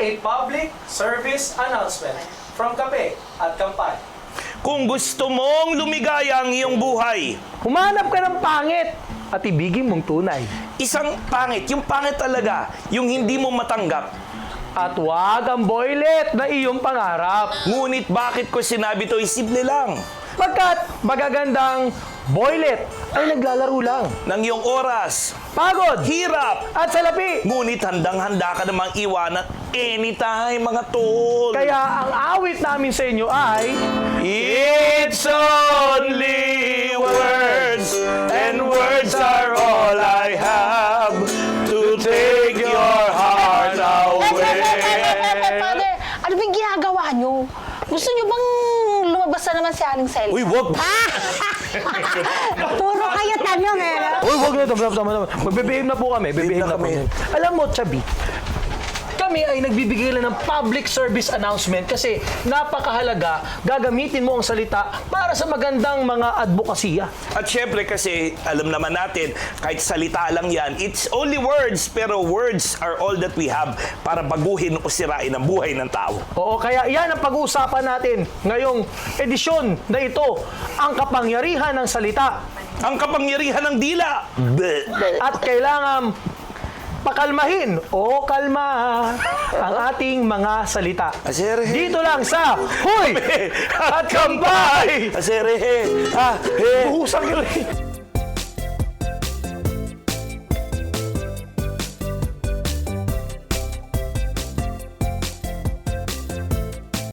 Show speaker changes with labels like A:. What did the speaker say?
A: a public service announcement from Kape at Kampay.
B: Kung gusto mong lumigaya ang iyong buhay,
C: Humanap ka ng pangit at ibigin mong tunay.
B: isang pangit, yung pangit talaga, yung hindi mo matanggap.
C: At huwag ang boylet na iyong pangarap.
B: Ngunit bakit ko sinabi to? Simple lang.
C: Pagkat magagandang boylet ay naglalaro lang.
B: Ng iyong oras,
C: Pagod
B: hirap,
C: at salapi.
B: ngunit handang-handa ka namang iwanan anytime, mga tol.
C: Kaya ang awit namin sa inyo ay
B: It's only words, and words are all I have to take your heart away.
D: Father, ano bang ginagawa nyo? Gusto nyo bang lumabas na naman si Aling Selma?
B: Uy, wag!
D: Puro kayo tanong eh.
C: Uy, wag na ito. Magbibihim na po kami. Bibihim na po. Alam mo, Chabi, kami ay nagbibigay lang ng public service announcement kasi napakahalaga gagamitin mo ang salita para sa magandang mga advokasya.
B: At syempre kasi, alam naman natin, kahit salita lang yan, it's only words, pero words are all that we have para baguhin o sirain ang buhay ng tao.
C: Oo, kaya yan ang pag-uusapan natin ngayong edisyon na ito, ang kapangyarihan ng salita.
B: Ang kapangyarihan ng dila! Bleh.
C: At kailangan pakalmahin o kalma ang ating mga salita.
B: Asere.
C: Dito lang sa Huy!
B: At Kampay! Asere, ha, he.
C: Buhusang